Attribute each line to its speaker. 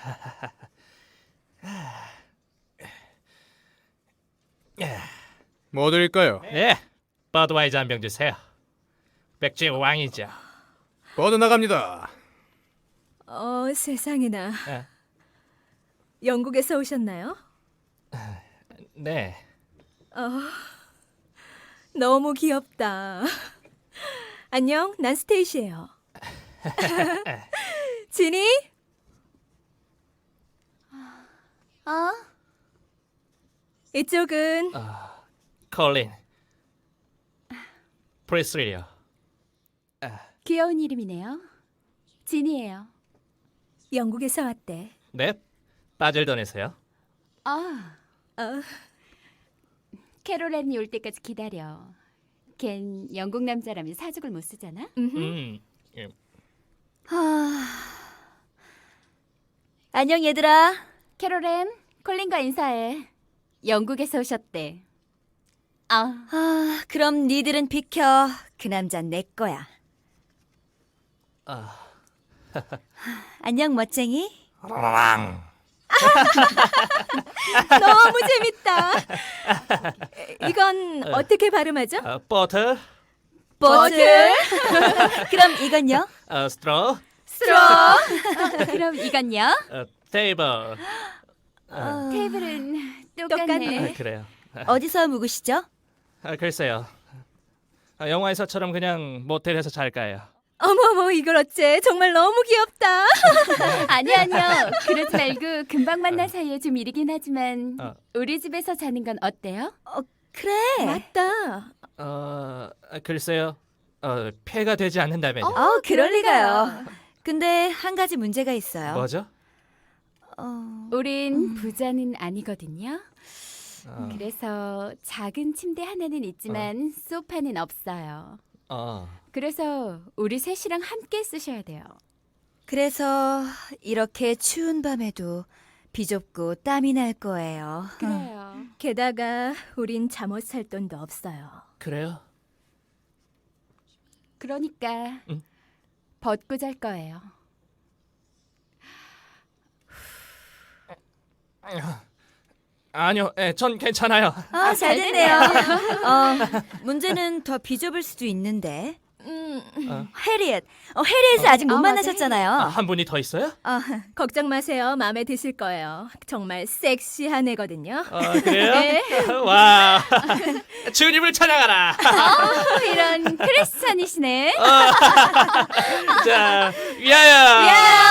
Speaker 1: 뭐 드릴까요?
Speaker 2: 예, 버드와이저 한 병 주세요. 맥주의 왕이죠.
Speaker 1: 버드 나갑니다.
Speaker 3: 세상에나.
Speaker 2: 예.
Speaker 3: 영국에서 오셨나요?
Speaker 2: 네,
Speaker 3: 너무 귀엽다. 안녕, 난 스테이시예요. 지니? 이쪽은
Speaker 2: 콜린, 프리스리요.
Speaker 4: 귀여운 이름이네요. 진이에요.
Speaker 3: 영국에서 왔대.
Speaker 2: 네, 바젤던에서요.
Speaker 4: 아,
Speaker 3: 어,
Speaker 4: 캐롤앤이 올 때까지 기다려. 걘 영국 남자라면 사족을 못 쓰잖아.
Speaker 2: 예.
Speaker 3: 안녕 얘들아.
Speaker 4: 캐롤앤, 콜린과 인사해. 영국에서 오셨대.
Speaker 3: 그럼 니들은 비켜. 그 남잔 내 거야. 안녕 멋쟁이. 너무 재밌다. 이건 어떻게 발음하죠?
Speaker 2: 버터,
Speaker 3: 버틀. 그럼 이건요?
Speaker 2: 스트로,
Speaker 3: 스트로.
Speaker 4: 그럼 이건요?
Speaker 2: 테이블.
Speaker 4: 테이블은
Speaker 3: 똑같네.
Speaker 4: 똑같네.
Speaker 2: 그래요.
Speaker 3: 어디서 묵으시죠?
Speaker 2: 글쎄요. 영화에서처럼 그냥 모텔에서 잘까요?
Speaker 3: 어머머 이걸 어째 정말 너무 귀엽다.
Speaker 4: 아니요. 그러지 말고 금방 만난 사이에 좀 이르긴 하지만 우리 집에서 자는 건 어때요?
Speaker 3: 그래. 맞다.
Speaker 2: 글쎄요. 폐가 되지 않는다면요.
Speaker 3: 그럴 리가요. 근데 한 가지 문제가 있어요.
Speaker 2: 뭐죠?
Speaker 4: 우린 부자는 아니거든요. 그래서 작은 침대 하나는 있지만 소파는 없어요. 그래서 우리 셋이랑 함께 쓰셔야 돼요.
Speaker 3: 그래서 이렇게 추운 밤에도 비좁고 땀이 날 거예요.
Speaker 4: 그래요.
Speaker 3: 게다가 우린 잠옷 살 돈도 없어요.
Speaker 2: 그래요?
Speaker 4: 그러니까 벗고 잘 거예요.
Speaker 2: 아니요, 전 괜찮아요.
Speaker 3: 잘 됐네요. 문제는 더 비좁을 수도 있는데. 해리엣. 해리엣을 아직 못
Speaker 4: 맞아,
Speaker 3: 만나셨잖아요.
Speaker 2: 한 분이 더 있어요?
Speaker 3: 걱정 마세요. 마음에 드실 거예요. 정말 섹시한 애거든요.
Speaker 2: 그래요?
Speaker 3: 네.
Speaker 2: 와, 주님을 찬양하라.
Speaker 4: 이런 크리스찬이시네.
Speaker 2: 자, 위하여.